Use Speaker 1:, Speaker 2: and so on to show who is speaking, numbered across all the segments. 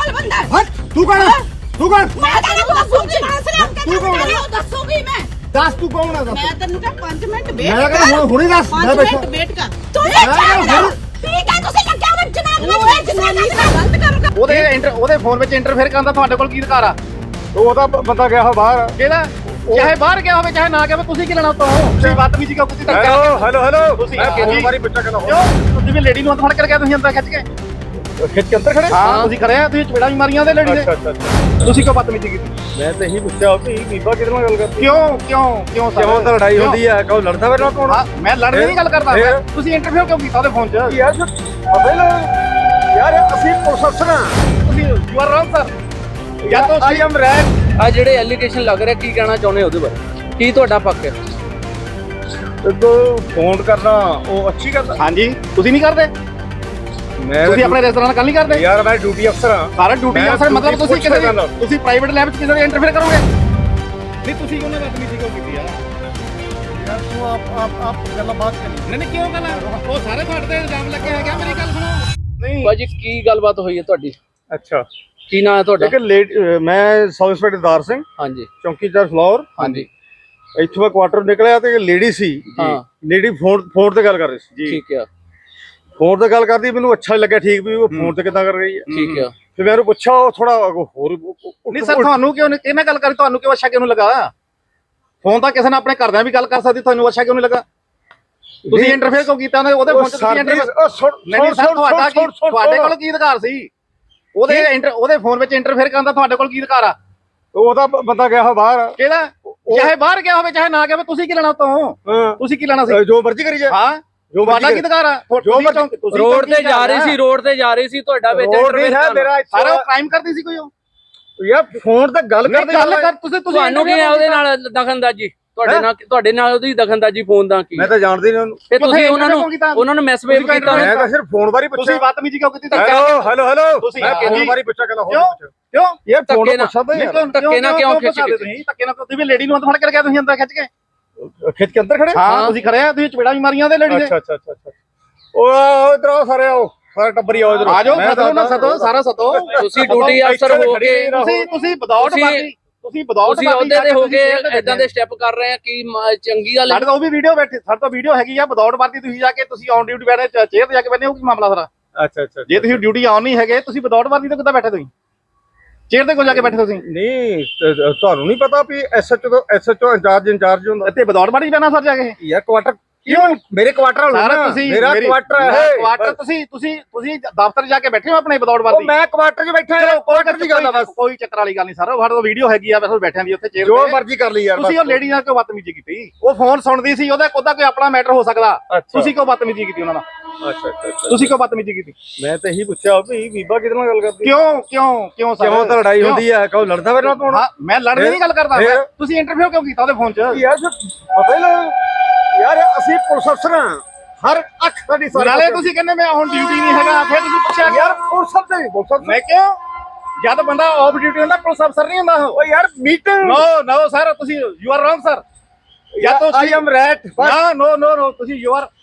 Speaker 1: Normal बंदा है।
Speaker 2: हट तू कौन है? तू कौन?
Speaker 1: मैं तेरे को दसूंगी
Speaker 2: तू कौन है?
Speaker 1: दसूंगी मैं।
Speaker 2: दस तू कौन है?
Speaker 1: मैं तेन का 5 मिनट वेट
Speaker 2: मैं कहना हुणी दस मैं
Speaker 1: 5
Speaker 2: बैठा
Speaker 1: मिनट वेट कर तू ये ठीक है ਤੁਸੀਂ ਲੱਗਿਆ ਵਾ ਜਨਾਬ ਨੂੰ ਇਹ ਜਨਾਬ ਗਲਤ ਕੰਮ
Speaker 3: ਉਹਦੇ ਫੋਨ ਵਿੱਚ ਇੰਟਰਫੇਅਰ ਕਰਨ ਦਾ ਤੁਹਾਡੇ ਕੋਲ ਕੀ ਅਧਿਕਾਰ ਆ?
Speaker 2: ਉਹਦਾ ਬੰਦਾ ਗਿਆ ਹੋ ਬਾਹਰ
Speaker 3: ਕਿਹਦਾ? ਚਾਹੇ ਬਾਹਰ ਗਿਆ ਹੋਵੇ ਚਾਹੇ ਨਾ ਗਿਆ ਹੋਵੇ, ਤੁਸੀਂ ਕੀ ਲੈਣਾ ਤੋਂ? ਤੁਸੀਂ ਬਦਤਮੀਜ਼ੀ ਕਿਉਂ ਕੀਤੀ?
Speaker 2: ਹੈਲੋ
Speaker 3: ਤੁਸੀਂ
Speaker 2: ਮੈਂ ਕਿੰਨੀ ਵਾਰੀ ਪੁੱਛਿਆ ਕਹਿੰਦਾ
Speaker 3: ਕਿਉਂ? ਤੁਸੀਂ ਵੀ ਲੇਡੀ ਨੂੰ ਹੱਥ ਫੜ ਕੇ ਗਿਆ, ਤੁਸੀਂ ਅੰਦਰ ਖਿੱਚ ਕੇ
Speaker 2: ਖਿੱਚ ਕੇ ਅੰਦਰ ਖੜੇ
Speaker 3: ਹਾਂ ਤੁਸੀਂ ਖੜੇ ਆ, ਤੁਸੀਂ ਚਪੇੜਾ ਵੀ ਮਾਰੀਆਂ ਉਹਦੇ ਲੇਡੀ ਦੇ। ਤੁਸੀਂ ਕਿਉਂ ਬਦਤਮੀਜ਼ੀ ਕੀਤੀ?
Speaker 2: ਮੈਂ ਤਾਂ ਇਹੀ ਪੁੱਛਿਆ ਕਿ ਬੀਬਾ ਕਿਹਦੇ ਨਾਲ ਗੱਲ ਕਰਦੀ
Speaker 3: ਕਿਉਂ
Speaker 2: ਕਿਉਂ ਤਾਂ ਲੜਾਈ ਹੁੰਦੀ ਹੈ ਕਹੋ ਲੜਦਾ ਮੇਰੇ ਨਾਲ ਕੌਣ?
Speaker 3: ਹਾਂ ਮੈਂ ਲੜਨ ਦੀ ਗੱਲ ਕਰਦਾ, ਤੁਸੀਂ ਇੰਟਰਵਿਊ ਕਿਉਂ ਕੀਤਾ ਉਹਦੇ ਫੋਨ 'ਚ?
Speaker 2: ਯਾਰ ਪਤਾ ਹੀ ਯਾਰ ਅਸੀਂ ਪੁਲਿਸ ਅਫਸਰ ਹਾਂ।
Speaker 3: ਤੁਸੀਂ ਯੂ ਆਰ ਰੌਂਗ ਸਰ। ਜਾਂ ਤਾਂ
Speaker 2: ਆਈ ਐਮ ਰੈਡ।
Speaker 4: ਆ ਜਿਹੜੇ ਐਲੀਗੇਸ਼ਨ ਲੱਗ ਰਿਹਾ, ਕੀ ਕਹਿਣਾ ਚਾਹੁੰਦੇ ਉਹਦੇ ਬਾਰੇ? ਕੀ ਤੁਹਾਡਾ ਪੱਕ ਹੈ?
Speaker 2: ਦੇਖੋ ਫੋਨ ਕਰਨਾ ਉਹ ਅੱਛੀ ਗੱਲ ਹੈ।
Speaker 3: ਹਾਂਜੀ ਤੁਸੀਂ ਨਹੀਂ ਕਰਦੇ?
Speaker 2: ਮੈਂ
Speaker 3: ਤੁਸੀਂ ਆਪਣੇ ਰੈਸਟੋਰੈਂਟ ਨਾਲ ਗੱਲ ਨਹੀਂ ਕਰਦੇ?
Speaker 2: ਯਾਰ ਮੈਂ ਡਿਊਟੀ ਅਫਸਰ ਹਾਂ।
Speaker 3: ਸਾਰਾ ਡਿਊਟੀ
Speaker 2: ਮੈਂ
Speaker 3: ਅਫਸਰ ਮਤਲਬ
Speaker 2: duty
Speaker 3: ਤੁਸੀਂ ਕਿਸੇ
Speaker 2: ਪੁੱਛ ਰਿਹਾ
Speaker 3: ਤੁਸੀਂ ਪ੍ਰਾਈਵੇਟ ਲੈਬ 'ਚ ਕਿਸੇ ਦੇ ਇੰਟਰਫੇਅਰ ਕਰੋਗੇ? ਨਹੀਂ ਤੁਸੀਂ ਉਹਨਾਂ ਬਦਤਮੀਜ਼ੀ ਕਿਉਂ ਕੀਤੀ ਆ?
Speaker 2: ਯਾਰ ਤੂੰ ਆਪ ਗੱਲਾਂ ਬਾਤ ਕਰੀ।
Speaker 3: ਨਹੀਂ ਕਿਉਂ ਗੱਲ? ਉਹ ਸਾਰੇ ਤੁਹਾਡੇ ਤੇ ਇਲਜ਼ਾਮ ਲੱਗੇ ਹੈਗੇ, ਮੇਰੀ ਗੱਲ ਸੁਣੋ। ਨਹੀਂ
Speaker 4: ਭਾਜੀ ਕੀ ਗੱਲਬਾਤ ਹੋਈ ਹੈ ਤੁਹਾਡੀ?
Speaker 2: ਅੱਛਾ
Speaker 4: ਕੀ ਨਾਂ ਹੈ ਤੁਹਾਡਾ?
Speaker 2: ਮੈਂ ਸਬ ਇੰਸਪੈਕਟਰ ਦਾਰ ਸਿੰਘ,
Speaker 4: ਹਾਂਜੀ
Speaker 2: ਚੌਂਕੀਦਾਰ ਫਲੋਰ।
Speaker 4: ਹਾਂਜੀ
Speaker 2: ਇੱਥੋਂ ਮੈਂ ਕੁਆਟਰ ਨਿਕਲਿਆ ਤੇ ਲੇਡੀ ਸੀ।
Speaker 4: ਹਾਂ
Speaker 2: ਲੇਡੀ ਫੋਨ ਤੇ ਗੱਲ ਕਰ ਰਹੀ ਸੀ।
Speaker 4: ਠੀਕ ਆ
Speaker 2: ਫੋਨ ਤੇ ਗੱਲ ਕਰਦੀ, ਮੈਨੂੰ ਅੱਛਾ ਲੱਗਿਆ ਠੀਕ ਵੀ ਉਹ ਫੋਨ ਤੇ ਕਿੱਦਾਂ ਕਰ ਰਹੀ ਹੈ।
Speaker 4: ਠੀਕ ਆ
Speaker 2: ਫਿਰ ਮੈਂ ਉਹਨੂੰ ਪੁੱਛਿਆ ਉਹ ਥੋੜਾ ਹੋਰ
Speaker 3: ਨਹੀਂ ਸਰ ਤੁਹਾਨੂੰ ਕਿਉਂ ਕਿਹਨੇ ਗੱਲ ਕਰੀ? ਤੁਹਾਨੂੰ ਕਿਉਂ ਅੱਛਾ ਕਿਉਂ ਨਹੀਂ ਲੱਗਾ? ਫੋਨ ਤਾਂ ਕਿਸੇ ਨੇ ਆਪਣੇ ਘਰਦਿਆਂ ਵੀ ਗੱਲ ਕਰ ਸਕਦੀ, ਤੁਹਾਨੂੰ ਅੱਛਾ ਕਿਉਂ ਨਹੀਂ ਲੱਗਾ? ਤੁਸੀਂ ਇੰਟਰਫੇਅਰ ਕਿਉਂ ਕੀਤਾ ਉਹਦੇ ਫੋਨ 'ਚ? ਤੁਸੀਂ ਇੰਟਰਫੇਅਰ ਨਹੀਂ ਸਰ ਤੁਹਾਡੇ ਕੋਲ ਕੀ ਅਧਿਕਾਰ ਸੀ? ਉਹਦੇ ਫੋਨ ਵਿੱਚ ਇੰਟਰਫੇਅਰ ਕਰਨ ਦਾ ਤੁਹਾਡੇ ਕੋਲ ਕੀ ਅਧਿਕਾਰ ਆ?
Speaker 2: ਉਹਦਾ ਬੰਦਾ ਗਿਆ ਹੋ ਬਾਹਰ।
Speaker 3: ਕਿਹਦਾ? ਚਾਹੇ ਬਾਹਰ ਗਿਆ ਹੋਵੇ ਚਾਹੇ ਨਾ ਗਿਆ ਹੋਵੇ, ਤੁਸੀਂ ਕੀ ਲੈਣਾ ਤੋਂ? ਤੁਸੀਂ ਕੀ ਲੈਣਾ ਸੀ?
Speaker 2: ਜੋ ਮਰਜ਼ੀ ਕਰੀ ਜਾ।
Speaker 3: ਹਾਂ ਜੋ ਤੁਹਾਡਾ ਕੀ ਅਧਿਕਾਰ ਆ?
Speaker 4: ਰੋਡ ਤੇ ਜਾ ਰਹੀ ਸੀ ਤੁਹਾਡਾ ਵਿੱਚ
Speaker 3: ਸਾਰਾ ਕ੍ਰਾਈਮ ਕਰਦੀ ਸੀ ਕੋਈ? ਉਹ
Speaker 2: ਯਾਰ ਫੋਨ ਤੇ ਗੱਲ
Speaker 3: ਕਰ ਤੁਸੀਂ
Speaker 4: ਤੁਹਾਨੂੰ ਕੀ ਹੈ ਉਹਦੇ ਨਾਲ ਦਖਲਅੰਦਾਜ਼ੀ? ਤੁਹਾਡੇ ਨਾਲ ਉਹਦੀ ਦਖਲਅੰਦਾਜ਼ੀ ਫੋਨ ਦਾ ਕੀ?
Speaker 2: ਮੈਂ ਤਾਂ ਜਾਣਦੀ ਨਹੀਂ ਉਹਨੂੰ।
Speaker 4: ਤੇ ਤੁਸੀਂ ਉਹਨਾਂ ਨੂੰ ਮੈਸੇਜ ਕੀਤਾ?
Speaker 2: ਮੈਂ ਤਾਂ ਸਿਰਫ ਫੋਨ ਬਾਰੇ ਪੁੱਛਿਆ।
Speaker 3: ਤੁਸੀਂ ਬਦਤਮੀਜ਼ੀ ਕਿਉਂ ਕੀਤੀ?
Speaker 2: ਹੈਲੋ
Speaker 3: ਤੁਸੀਂ
Speaker 2: ਮੈਂ ਫੋਨ ਬਾਰੇ ਪੁੱਛਿਆ ਕਹਿੰਦਾ ਹੋਰ ਪੁੱਛ
Speaker 3: ਕਿਉਂ?
Speaker 2: ਯਾਰ ਫੋਨ
Speaker 4: ਧੱਕੇ ਨਾਲ
Speaker 2: ਪੁੱਛਦਾ ਯਾਰ।
Speaker 4: ਧੱਕੇ ਨਾਲ ਕਿਉਂ ਖਿੱਚ ਕੇ?
Speaker 3: ਧੱਕੇ ਨਾਲ ਤੁਸੀਂ ਵੀ ਲੇਡੀ ਨੂੰ ਹੱਥ ਫੜ ਕੇ ਗਿਆ, ਤੁਸੀਂ ਅੰਦਰ ਖਿੱਚ ਕੇ
Speaker 2: ਖਿੱਚ ਕੇ ਅੰਦਰ ਖੜੇ।
Speaker 3: ਹਾਂ ਤੁਸੀਂ ਖੜੇ ਆ, ਤੁਸੀਂ ਚਪੇੜਾ ਵੀ ਮਾਰੀਆਂ ਉਹਦੇ ਲੇਡੀ ਦੇ।
Speaker 2: ਅੱਛਾ ਉਹ ਇਧਰ ਆਓ ਸਾਰੇ, ਆਓ ਸਾਰੇ ਟੱਬਰੀ ਆਓ ਇਧਰ।
Speaker 3: ਆ ਜਾਓ ਸਦੋ ਨਾ ਸਦੋ ਸਾਰਾ ਸਦੋ।
Speaker 4: ਤੁਸੀਂ ਡਿਊਟੀ ਅਫਸਰ ਹੋ ਕੇ
Speaker 3: ਤੁਸੀਂ ਵਿਦਆਊਟ ਬਾਕੀ ਤੁਸੀਂ
Speaker 4: ਉਹਦੇ ਤੇ ਹੋ ਕੇ ਇਦਾਂ ਦੇ ਸਟੈਪ ਕਰ ਰਹੇ ਆ, ਕੀ ਚੰਗੀ ਗੱਲ?
Speaker 3: ਸਾਡੇ ਤਾਂ ਉਹ ਵੀ ਵੀਡੀਓ ਬੈਠੀ, ਸਾਡੇ ਤਾਂ ਵੀਡੀਓ ਹੈਗੀ ਆ। ਵਿਦਆਊਟ ਵਰਦੀ ਤੁਸੀਂ ਜਾ ਕੇ ਤੁਸੀਂ ਔਨ ਡਿਊਟੀ ਬੈਠੇ ਚੇਅਰ ਤੇ ਜਾ ਕੇ ਬੈਠੇ ਹੋ, ਕੀ ਮਾਮਲਾ ਸਾਰਾ?
Speaker 2: ਅੱਛਾ
Speaker 3: ਜੇ ਤੁਸੀਂ ਡਿਊਟੀ ਆਨ ਨਹੀਂ ਹੈਗੇ, ਤੁਸੀਂ ਵਿਦਆਊਟ ਵਰਦੀ ਤੇ ਕਿੱਦਾਂ ਬੈਠੇ? ਤੁਸੀਂ ਚੇਅਰ ਤੇ ਕਿਉਂ ਜਾ ਕੇ ਬੈਠੇ? ਤੁਸੀਂ
Speaker 2: ਨਹੀਂ ਤੁਹਾਨੂੰ ਨਹੀਂ ਪਤਾ ਵੀ ਐਸਐਚਓ ਇੰਚਾਰਜ ਹੁੰਦਾ
Speaker 3: ਇੱਥੇ ਵਿਦਆਊਟ ਵਰਦੀ ਪੈਣਾ ਸਰ ਜਾ ਕੇ?
Speaker 2: ਯਾਰ ਕੁਆਟਰ ਕਿਉਂ? ਮੇਰੇ ਕੁਆਟਰ ਵਾਲਾ
Speaker 3: ਸਾਰਾ ਤੁਸੀਂ
Speaker 2: ਮੇਰਾ ਕੁਆਟਰ ਹੈ।
Speaker 3: ਕੁਆਟਰ ਤੁਸੀਂ ਦਫ਼ਤਰ ਜਾ ਕੇ ਬੈਠੇ ਹੋ ਆਪਣੇ ਵਿਦਆਊਟ ਵਰਦੀ?
Speaker 2: ਮੈਂ ਕੁਆਟਰ 'ਚ ਬੈਠਾ ਹਾਂ। ਕੁਆਟਰ ਦੀ ਗੱਲ ਆ ਬਸ।
Speaker 3: ਕੋਈ ਚੱਕਰ ਵਾਲੀ ਗੱਲ ਨਹੀਂ ਸਰ। ਸਾਡੇ ਕੋਲ ਵੀਡੀਓ ਹੈਗੀ ਆ, ਬਸ ਬੈਠਿਆਂ ਦੀ ਉੱਥੇ ਚੇਅਰ
Speaker 2: ਜੋ ਮਰਜ਼ੀ ਕਰ ਲਈ ਯਾਰ।
Speaker 3: ਤੁਸੀਂ ਉਹ ਲੇਡੀ ਨਾਲ ਕਿਉਂ ਬਦਤਮੀਜ਼ੀ ਕੀਤੀ? ਉਹ ਫੋਨ ਸੁਣਦੀ ਸੀ, ਉਹਦਾ ਕੋਈ ਆਪਣਾ ਮੈਟਰ ਹੋ ਸਕਦਾ। ਤੁਸੀਂ ਕਿਉਂ ਬਦਤਮੀਜ਼ੀ ਕੀਤੀ ਉਹਨਾਂ ਨਾਲ?
Speaker 2: ਅੱਛਾ
Speaker 3: ਤੁਸੀਂ ਕਿਉਂ ਬਦਤਮੀਜ਼ੀ ਕੀਤੀ?
Speaker 2: ਮੈਂ ਤਾਂ ਇਹੀ ਪੁੱਛਿਆ ਵੀ ਬੀਬਾ ਕਿਹਦੇ ਨਾਲ ਗੱਲ ਕਰਦੀ?
Speaker 3: ਕਿਉਂ
Speaker 2: ਕਿਉਂ ਤਾਂ ਲੜਾਈ ਹੁੰਦੀ ਹੈ ਕਹੋ ਲੜਦਾ ਮੇਰੇ ਨਾਲ ਕੌਣ?
Speaker 3: ਹਾਂ ਮੈਂ ਲੜਨ ਦੀ ਗੱਲ ਕਰਦਾ, ਤੁਸੀਂ ਇੰਟਰਵਿਊ ਕਿਉਂ ਕੀਤਾ ਉਹਦੇ ਫੋਨ 'ਚ?
Speaker 2: ਯਾਰ ਪਤਾ ਹੀ ਯਾਰ ਅਸੀਂ ਪੁਲਿਸ ਅਫਸਰ ਹਾਂ। ਹਰ ਅੱਖ ਸਾਡੀ
Speaker 3: ਨਾਲੇ ਤੁਸੀਂ ਕਹਿੰਦੇ ਮੈਂ ਹੁਣ ਡਿਊਟੀ ਨਹੀਂ ਹੈਗਾ, ਫਿਰ ਤੁਸੀਂ ਪੁੱਛਿਆ
Speaker 2: ਯਾਰ ਪੁਲਿਸ ਅਫਸਰ
Speaker 3: ਮੈਂ ਕਿਉਂ? ਜਦ ਬੰਦਾ ਆਫ ਡਿਊਟੀ ਹੁੰਦਾ ਪੁਲਿਸ ਅਫਸਰ ਨਹੀਂ ਹੁੰਦਾ ਉਹ।
Speaker 2: ਯਾਰ ਮੀਟਿੰਗ
Speaker 3: ਨੋ ਸਰ, ਤੁਸੀਂ ਯੂ ਆਰ ਰੌਂਗ ਸਰ। ਜਾਂ ਤਾਂ
Speaker 2: ਆਈ ਐਮ ਰੈਟ।
Speaker 3: ਨੋ ਤੁਸੀਂ ਯੂ ਆਰ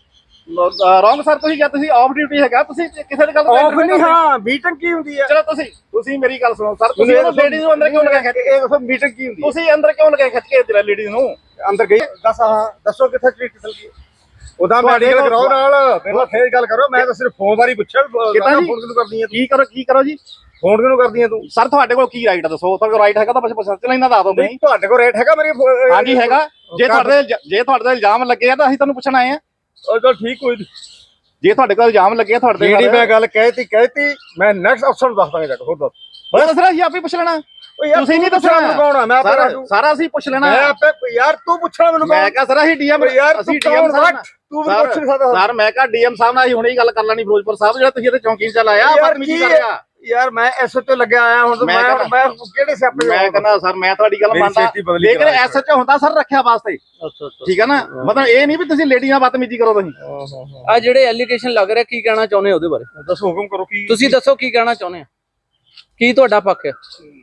Speaker 3: ਰੌਂਗ ਸਰ। ਤੁਸੀਂ ਜਾਂ ਤੁਸੀਂ ਆਫ ਡਿਊਟੀ ਹੈਗਾ, ਤੁਸੀਂ ਕਿਸੇ ਦੀ ਗੱਲ
Speaker 2: ਆਫ ਨਹੀਂ। ਹਾਂ ਮੀਟਿੰਗ ਕੀ ਹੁੰਦੀ ਹੈ?
Speaker 3: ਚਲੋ ਤੁਸੀਂ ਮੇਰੀ ਗੱਲ ਸੁਣੋ ਸਰ। ਤੁਸੀਂ ਲੇਡੀਜ਼ ਨੂੰ ਅੰਦਰ ਕਿਉਂ ਲਗਾ ਖਿੱਚ ਕੇ?
Speaker 2: ਇਹ ਦੱਸੋ ਮੀਟਿੰਗ ਕੀ ਹੁੰਦੀ ਹੈ?
Speaker 3: ਤੁਸੀਂ ਅੰਦਰ ਕਿਉਂ ਲਗਾ ਖਿੱਚ ਕੇ ਲੇਡੀਜ਼ ਨੂੰ
Speaker 2: ਅੰਦਰ ਗਈ? ਦੱਸੋ ਕਿੱਥੇ ਟ੍ਰੀਟ ਕੀਤੀ? ਉਹਦਾ ਮੈਡੀਕਲ ਕਰਾਓ ਨਾਲ, ਪਹਿਲਾਂ ਫੇਰ ਗੱਲ ਕਰੋ। ਮੈਂ ਤਾਂ ਸਿਰਫ ਫੋਨ ਬਾਰੇ ਪੁੱਛਿਆ ਫੋਨ ਕਿਉਂ ਕਰਦੀ ਹੈ?
Speaker 3: ਕੀ ਕਰੋ ਜੀ?
Speaker 2: ਫੋਨ ਕਿਉਂ ਕਰਦੀ ਹੈ ਤੂੰ?
Speaker 3: ਸਰ ਤੁਹਾਡੇ ਕੋਲ ਕੀ ਰਾਈਟ ਆ ਦੱਸੋ? ਤੁਹਾਡੇ ਕੋਲ ਰਾਈਟ ਹੈਗਾ ਤਾਂ ਬਸ ਲੈਣਾ ਦੱਸ ਦੋ। ਨਹੀਂ
Speaker 2: ਤੁਹਾਡੇ ਕੋਲ ਰੇਟ ਹੈਗਾ ਮੇਰੀ?
Speaker 3: ਹਾਂਜੀ ਹੈਗਾ। ਜੇ ਤੁਹਾਡੇ ਤੇ ਇਲਜ਼ਾਮ ਲੱਗੇ ਆ ਤਾਂ ਅਸੀਂ ਤੁਹਾਨੂੰ ਪੁੱਛਣ ਆਏ ਆ।
Speaker 2: ਚਲ ਠੀਕ ਕੋਈ।
Speaker 3: ਜੇ ਤੁਹਾਡੇ ਕੋਲ ਇਲਜ਼ਾਮ ਲੱਗੇ ਆ ਤੁਹਾਡੇ
Speaker 2: ਜਿਹੜੀ ਮੈਂ ਗੱਲ ਕਹਿਤੀ ਮੈਂ ਨੈਕਸਟ ਅਫਸਰ ਨੂੰ ਦੱਸ ਦਾਂਗਾ। ਹੋਰ ਦੱਸ
Speaker 3: ਦੱਸਣਾ ਸੀ, ਆਪੇ ਪੁੱਛ ਲੈਣਾ। ਤੁਸੀਂ ਨਹੀਂ ਦੱਸਣਾ
Speaker 2: ਮੈਨੂੰ ਕੌਣ ਆ? ਮੈਂ
Speaker 3: ਸਾਰਾ ਅਸੀਂ ਪੁੱਛ ਲੈਣਾ।
Speaker 2: ਮੈਂ ਆਪੇ ਯਾਰ ਤੂੰ ਪੁੱਛਣਾ ਮੈਨੂੰ।
Speaker 3: ਮੈਂ ਕਿਹਾ ਸਰ ਅਸੀਂ ਡੀਐਮ
Speaker 2: ਯਾਰ
Speaker 3: ਅਸੀਂ ਡੀਐਮ ਸਾਹਿਬ
Speaker 2: ਤੂੰ ਮੈਨੂੰ ਪੁੱਛ ਨਹੀਂ ਸਕਦਾ
Speaker 3: ਸਰ। ਮੈਂ ਕਿਹਾ ਡੀਐਮ ਸਾਹਿਬ ਨਾਲ ਅਸੀਂ ਹੁਣੇ ਹੀ ਗੱਲ ਕਰ ਲੈਣੀ। ਫਿਰੋਜ਼ਪੁਰ ਸਾਹਿਬ ਜਿਹੜਾ ਤੁਸੀਂ ਇੱਥੇ ਚੌਂਕੀ 'ਚ ਚੱਲ ਆਇਆ ਬਦਤਮੀਜ਼ੀ ਕਰ ਰਿਹਾ।
Speaker 2: ਯਾਰ ਮੈਂ ਐਸਐਚਓ ਲੱਗਿਆ ਆਇਆ ਹੁਣ। ਮੈਂ ਕਿਹੜੇ ਸਿਆਪੇ?
Speaker 3: ਮੈਂ ਕਹਿੰਦਾ ਸਰ ਮੈਂ ਤੁਹਾਡੀ ਗੱਲ ਮੰਨਦਾ, ਲੇਕਿਨ ਐਸਐਚਓ ਹੁੰਦਾ ਸਰ ਰੱਖਿਆ ਵਾਸਤੇ। ਠੀਕ ਹੈ ਨਾ? ਮਤਲਬ ਇਹ ਨਹੀਂ ਵੀ ਤੁਸੀਂ ਲੇਡੀ ਨਾਲ ਬਦਤਮੀਜੀ ਕਰੋ। ਤੁਸੀਂ
Speaker 4: ਆ ਜਿਹੜੇ ਐਲੀਗੇਸ਼ਨ ਲੱਗ ਰਿਹਾ, ਕੀ ਕਹਿਣਾ ਚਾਹੁੰਦੇ ਉਹਦੇ ਬਾਰੇ?
Speaker 2: ਦੱਸੋ ਹੁਕਮ ਕਰੋ। ਕੀ
Speaker 4: ਤੁਸੀਂ ਦੱਸੋ ਕੀ ਕਹਿਣਾ ਚਾਹੁੰਦੇ ਆ? ਕੀ ਤੁਹਾਡਾ ਪੱਕ ਹੈ?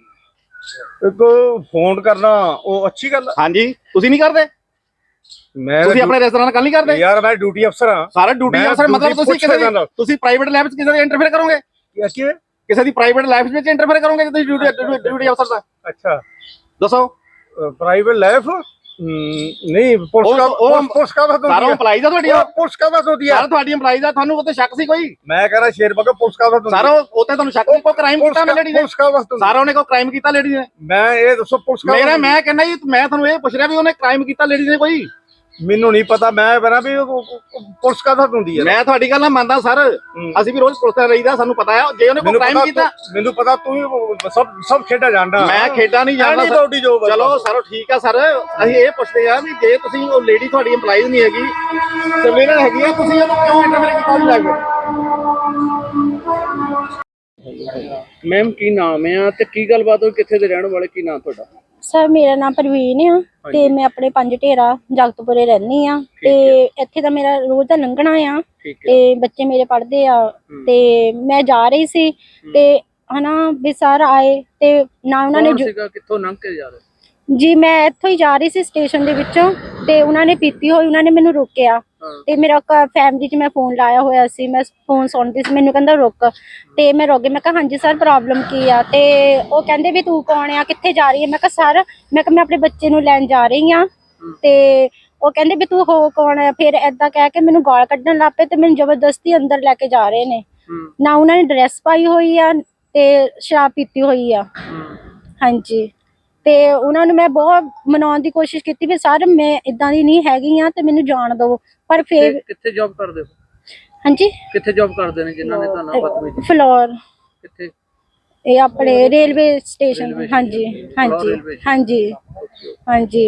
Speaker 2: ਇੱਕ ਫੋਨ ਕਰਨਾ ਉਹ ਅੱਛੀ ਗੱਲ ਹੈ।
Speaker 3: ਹਾਂਜੀ ਤੁਸੀਂ ਨਹੀਂ ਕਰਦੇ? ਤੁਸੀਂ ਆਪਣੇ ਰੈਸਟੋਰੈਂਟ ਨਾਲ ਗੱਲ ਨਹੀਂ ਕਰਦੇ?
Speaker 2: ਯਾਰ ਮੈਂ ਡਿਊਟੀ ਅਫਸਰ ਹਾਂ।
Speaker 3: ਸਾਰਾ ਡਿਊਟੀ ਅਫਸਰ ਮਤਲਬ ਤੁਸੀਂ ਪ੍ਰਾਈਵੇਟ ਲੈਬ 'ਚ ਕਿਸੇ ਦੇ ਇੰਟਰਫੇਅਰ ਕਰੋਗੇ? ਕਿਸੇ ਦੀ ਪ੍ਰਾਈਵੇਟ ਲਾਈਫ ਵਿੱਚ ਇੰਟਰਫੇਅਰ ਕਰੋਗੇ ਜੇ ਤੁਸੀਂ ਡਿਊਟੀ ਅਫਸਰ ਦਾ?
Speaker 2: ਅੱਛਾ
Speaker 3: ਦੱਸੋ।
Speaker 2: ਪ੍ਰਾਈਵੇਟ ਲਾਈਫ ਨਹੀਂ ਪੁਲਿਸ ਕਾ ਬਸ
Speaker 3: ਸਾਰਾ EMPLOYEES ਦਾ ਤੁਹਾਡੀ
Speaker 2: ਪੁਲਿਸ ਕਾ ਬਸ ਹੁੰਦੀ ਹੈ
Speaker 3: ਸਾਰਾ ਤੁਹਾਡੀ EMPLOYEES ਦਾ। ਤੁਹਾਨੂੰ ਉੱਤੇ ਸ਼ੱਕ ਸੀ ਕੋਈ?
Speaker 2: ਮੈਂ ਕਹ ਰਿਹਾ ਸ਼ੇਰ ਬਗਾ ਪੁਲਿਸ ਕਾ ਬਸ
Speaker 3: ਸਾਰਾ ਉੱਤੇ ਤੁਹਾਨੂੰ ਸ਼ੱਕ ਸੀ ਕੋਈ ਕ੍ਰਾਈਮ ਕੀਤਾ ਉਹਨੇ ਲੇਡੀ ਨੇ?
Speaker 2: ਪੁਲਿਸ ਕਾ ਬਸ
Speaker 3: ਸਾਰਾ ਉਹਨੇ ਕੋਈ ਕ੍ਰਾਈਮ ਕੀਤਾ ਲੇਡੀ ਨੇ?
Speaker 2: ਮੈਂ ਇਹ ਦੱਸੋ ਪੁਲਿਸ ਕਾ
Speaker 3: ਮੈਂ ਕਹਿੰਦਾ ਜੀ ਮੈਂ ਤੁਹਾਨੂੰ ਇਹ ਪੁੱਛ ਰਿਹਾ ਵੀ ਉਹਨੇ ਕ੍ਰਾਈਮ ਕੀਤਾ ਲੇਡੀ ਨੇ ਕੋਈ?
Speaker 2: ਮੈਨੂੰ ਨਹੀਂ ਪਤਾ ਮੈਂ ਬਣਾ ਵੀ ਪੁਲਿਸ ਕਾ ਬਸ ਹੁੰਦੀ ਹੈ।
Speaker 3: ਮੈਂ ਤੁਹਾਡੀ ਗੱਲ ਨਾਲ ਮੰਨਦਾ ਸਰ, ਅਸੀਂ ਵੀ ਰੋਜ਼ ਪੁਲਿਸ ਤੇ ਰਹੀਦਾ, ਸਾਨੂੰ ਪਤਾ ਹੈ ਜੇ ਉਹਨੇ ਕੋਈ ਕ੍ਰਾਈਮ ਕੀਤਾ।
Speaker 2: ਮੈਨੂੰ ਪਤਾ ਤੂੰ ਸਭ ਖੇਡਾਂ ਜਾਣਦਾ।
Speaker 3: ਮੈਂ ਖੇਡਾਂ ਨਹੀਂ ਜਾਣਦਾ। ਚਲੋ ਸਰ ਠੀਕ ਆ ਸਰ, ਅਸੀਂ ਇਹ ਪੁੱਛਦੇ ਆ ਵੀ ਜੇ ਤੁਸੀਂ ਉਹ ਲੇਡੀ ਤੁਹਾਡੀ EMPLOYEES ਨਹੀਂ ਹੈਗੀ, ਸਰਵੇਲੈਂਸ ਹੈਗੀ ਆ, ਤੁਸੀਂ ਉਹਨੂੰ ਕਿਉਂ ਇੰਟਰਫੇਅਰ ਕੀਤਾ ਨਹੀਂ ਲੱਗ?
Speaker 4: ਮੈਮ ਕੀ ਨਾਮ ਹੈ ਤੇ ਕੀ ਗੱਲਬਾਤ ਹੋਈ, ਕਿੱਥੇ ਦੇ ਰਹਿਣ ਵਾਲੇ, ਕੀ ਨਾਮ ਤੁਹਾਡਾ?
Speaker 1: ਸਰ ਮੇਰਾ ਨਾਮ ਪ੍ਰਵੀਨ ਆ ਤੇ ਮੈਂ ਆਪਣੇ 5 ਢੇਰਾ ਜਗਤਪੁਰੇ ਰਹਿੰਦੀ ਆ ਤੇ ਇੱਥੇ ਤਾਂ ਮੇਰਾ ਰੋਜ਼ ਦਾ ਲੰਘਣਾ ਆ ਤੇ ਬੱਚੇ ਮੇਰੇ ਪੜ੍ਹਦੇ ਆ ਤੇ ਮੈਂ ਜਾ ਰਹੀ ਸੀ ਤੇ ਹਨਾ ਵੀ ਸਰ ਆਏ ਤੇ ਨਾ ਉਹਨਾਂ ਨੇ
Speaker 4: ਕਿੱਥੋਂ ਲੰਘ ਕੇ ਜਾ ਰਹੇ
Speaker 1: ਜੀ? ਮੈਂ ਇੱਥੋਂ ਹੀ ਜਾ ਰਹੀ ਸੀ ਸਟੇਸ਼ਨ ਦੇ ਵਿੱਚੋਂ ਤੇ ਉਹਨਾਂ ਨੇ ਪੀਤੀ ਹੋਈ, ਉਹਨਾਂ ਨੇ ਮੈਨੂੰ ਰੋਕਿਆ ਤੇ ਮੇਰਾ ਫੈਮਿਲੀ 'ਚ ਮੈਂ ਫੋਨ ਲਾਇਆ ਹੋਇਆ ਸੀ, ਮੈਂ ਫੋਨ ਸੁਣਦੀ ਸੀ, ਮੈਨੂੰ ਕਹਿੰਦਾ ਰੁਕ ਤੇ ਮੈਂ ਰੁਕ ਗਈ। ਮੈਂ ਕਿਹਾ ਹਾਂਜੀ ਸਰ ਪ੍ਰੋਬਲਮ ਕੀ ਆ? ਤੇ ਉਹ ਕਹਿੰਦੇ ਵੀ ਤੂੰ ਕੌਣ ਆ, ਕਿੱਥੇ ਜਾ ਰਹੀ ਹੈ? ਮੈਂ ਕਿਹਾ ਸਰ ਮੈਂ ਆਪਣੇ ਬੱਚੇ ਨੂੰ ਲੈਣ ਜਾ ਰਹੀ ਆ ਤੇ ਉਹ ਕਹਿੰਦੇ ਵੀ ਤੂੰ ਹੋ ਕੌਣ ਆ? ਫਿਰ ਏਦਾਂ ਕਹਿ ਕੇ ਮੈਨੂੰ ਗਾਲ ਕੱਢਣ ਲੱਗ ਪਏ ਤੇ ਮੈਨੂੰ ਜ਼ਬਰਦਸਤੀ ਅੰਦਰ ਲੈ ਕੇ ਜਾ ਰਹੇ ਨੇ। ਨਾ ਉਹਨਾਂ ਨੇ ਡਰੈਸ ਪਾਈ ਹੋਈ ਆ ਤੇ ਸ਼ਰਾਬ ਪੀਤੀ ਹੋਈ ਆ। ਹਾਂਜੀ ਤੇ ਉਹਨਾਂ ਨੂੰ ਮੈਂ ਬਹੁਤ ਮਨਾਉਣ ਦੀ ਕੋਸ਼ਿਸ਼ ਕੀਤੀ ਵੀ ਸਰ ਮੈਂ ਇਦਾਂ ਦੀ ਨਹੀਂ ਹੈਗੀ ਆ ਤੇ ਮੈਨੂੰ ਜਾਣ ਦਿਓ, ਪਰ ਫਿਰ
Speaker 4: ਕਿੱਥੇ ਜੌਬ ਕਰਦੇ ਹੋ?
Speaker 1: ਹਾਂਜੀ
Speaker 4: ਕਿੱਥੇ ਜੌਬ ਕਰਦੇ ਨੇ ਜਿਨ੍ਹਾਂ ਨੇ ਤੁਹਾਨੂੰ ਬਦਤਮੀਜ਼ੀ?
Speaker 1: ਫਲੋਰ
Speaker 4: ਕਿੱਥੇ?
Speaker 1: ਇਹ ਆਪਣੇ ਰੇਲਵੇ ਸਟੇਸ਼ਨ। ਹਾਂਜੀ ਹਾਂਜੀ ਹਾਂਜੀ ਹਾਂਜੀ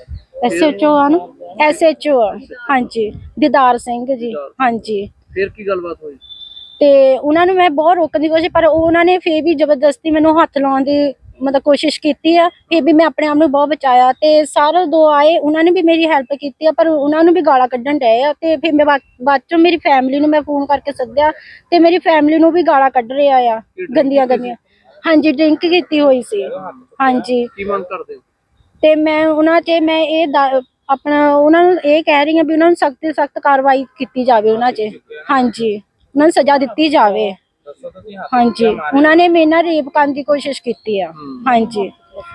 Speaker 1: SHO ਆ ਨਾ, SHO ਆ ਹਾਂਜੀ, ਦੀਦਾਰ ਸਿੰਘ ਜੀ। ਹਾਂਜੀ
Speaker 4: ਫਿਰ ਕੀ ਗੱਲਬਾਤ ਹੋਈ?
Speaker 1: ਤੇ ਉਹਨਾਂ ਨੂੰ ਮੈਂ ਬਹੁਤ ਰੋਕਣ ਦੀ ਕੋਸ਼ਿਸ਼, ਪਰ ਉਹਨਾਂ ਨੇ ਫੇਰ ਵੀ ਜ਼ਬਰਦਸਤੀ ਮੈਨੂੰ ਹੱਥ ਲਾਉਣ ਦੀ ਮਤਲਬ ਕੋਸ਼ਿਸ਼ ਕੀਤੀ ਆ। ਫਿਰ ਵੀ ਮੈਂ ਆਪਣੇ ਆਪ ਨੂੰ ਬਹੁਤ ਬਚਾਇਆ ਤੇ ਸਾਰੇ ਦੋ ਆਏ, ਉਹਨਾਂ ਨੇ ਵੀ ਮੇਰੀ ਹੈਲਪ ਕੀਤੀ ਆ, ਪਰ ਉਹਨਾਂ ਨੂੰ ਵੀ ਗਾਲਾਂ ਕੱਢਣ ਡਏ ਆ। ਤੇ ਫਿਰ ਮੈਂ ਬਾਅਦ ਚੋਂ ਮੇਰੀ ਫੈਮਿਲੀ ਨੂੰ ਮੈਂ ਫੋਨ ਕਰਕੇ ਸੱਦਿਆ ਤੇ ਮੇਰੀ ਫੈਮਿਲੀ ਨੂੰ ਵੀ ਗਾਲਾਂ ਕੱਢ ਰਿਹਾ ਆ, ਗੰਦੀਆਂ ਗੰਦੀਆਂ। ਹਾਂਜੀ ਡਰਿੰਕ ਕੀਤੀ ਹੋਈ ਸੀ। ਹਾਂਜੀ
Speaker 4: ਕੀ ਮੰਗ ਕਰਦੇ ਹੋ?
Speaker 1: ਤੇ ਮੈਂ ਉਹਨਾਂ 'ਚ ਮੈਂ ਇਹ ਆਪਣਾ ਉਹਨਾਂ ਨੂੰ ਇਹ ਕਹਿ ਰਹੀ ਹਾਂ ਵੀ ਉਹਨਾਂ ਨੂੰ ਸਖਤ ਤੋਂ ਸਖਤ ਕਾਰਵਾਈ ਕੀਤੀ ਜਾਵੇ ਉਹਨਾਂ 'ਚ। ਹਾਂਜੀ ਉਹਨਾਂ ਨੂੰ ਸਜ਼ਾ ਦਿੱਤੀ ਜਾਵੇ। ਹਾਂਜੀ ਉਹਨਾਂ ਨੇ ਮੇਰੇ ਨਾਲ ਰੇਪ ਕਰਨ ਦੀ ਕੋਸ਼ਿਸ਼ ਕੀਤੀ ਆ। ਹਾਂਜੀ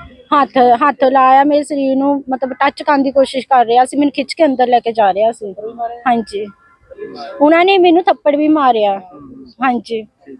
Speaker 1: ਹੱਥ ਲਾਇਆ ਮੇਰੇ ਸਰੀਰ ਨੂੰ, ਮਤਲਬ ਟੱਚ ਕਰਨ ਦੀ ਕੋਸ਼ਿਸ਼ ਕਰ ਰਿਹਾ ਸੀ, ਮੈਨੂੰ ਖਿੱਚ ਕੇ ਅੰਦਰ ਲੈ ਕੇ ਜਾ ਰਿਹਾ ਸੀ। ਹਾਂਜੀ ਉਹਨਾਂ ਨੇ ਮੈਨੂੰ ਥੱਪੜ ਵੀ ਮਾਰਿਆ। ਹਾਂਜੀ